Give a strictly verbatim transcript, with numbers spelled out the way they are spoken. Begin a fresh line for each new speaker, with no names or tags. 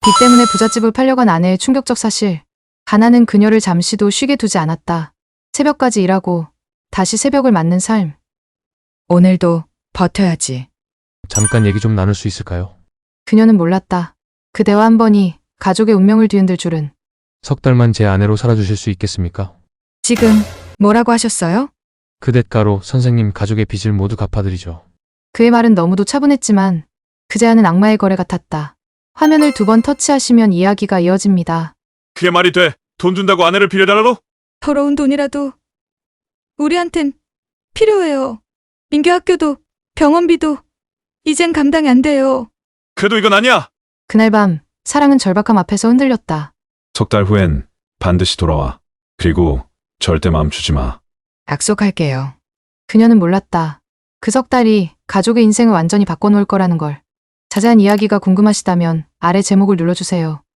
빚 때문에 부잣집을 팔려간 아내의 충격적 사실. 가난은 그녀를 잠시도 쉬게 두지 않았다. 새벽까지 일하고 다시 새벽을 맞는 삶.
오늘도 버텨야지.
잠깐 얘기 좀 나눌 수 있을까요?
그녀는 몰랐다. 그 대화 한 번이 가족의 운명을 뒤흔들 줄은.
석 달만 제 아내로 살아주실 수 있겠습니까?
지금 뭐라고 하셨어요?
그 대가로 선생님 가족의 빚을 모두 갚아드리죠.
그의 말은 너무도 차분했지만 그 제안은 악마의 거래 같았다. 화면을 두 번 터치하시면 이야기가 이어집니다.
그게 말이 돼? 돈 준다고 아내를 빌려달라고?
더러운 돈이라도 우리한텐 필요해요. 민규 학교도 병원비도 이젠 감당이 안 돼요.
그래도 이건 아니야.
그날 밤 사랑은 절박함 앞에서 흔들렸다.
석 달 후엔 반드시 돌아와. 그리고 절대 멈추지 마.
약속할게요.
그녀는 몰랐다. 그 석 달이 가족의 인생을 완전히 바꿔놓을 거라는 걸. 자세한 이야기가 궁금하시다면 아래 제목을 눌러주세요.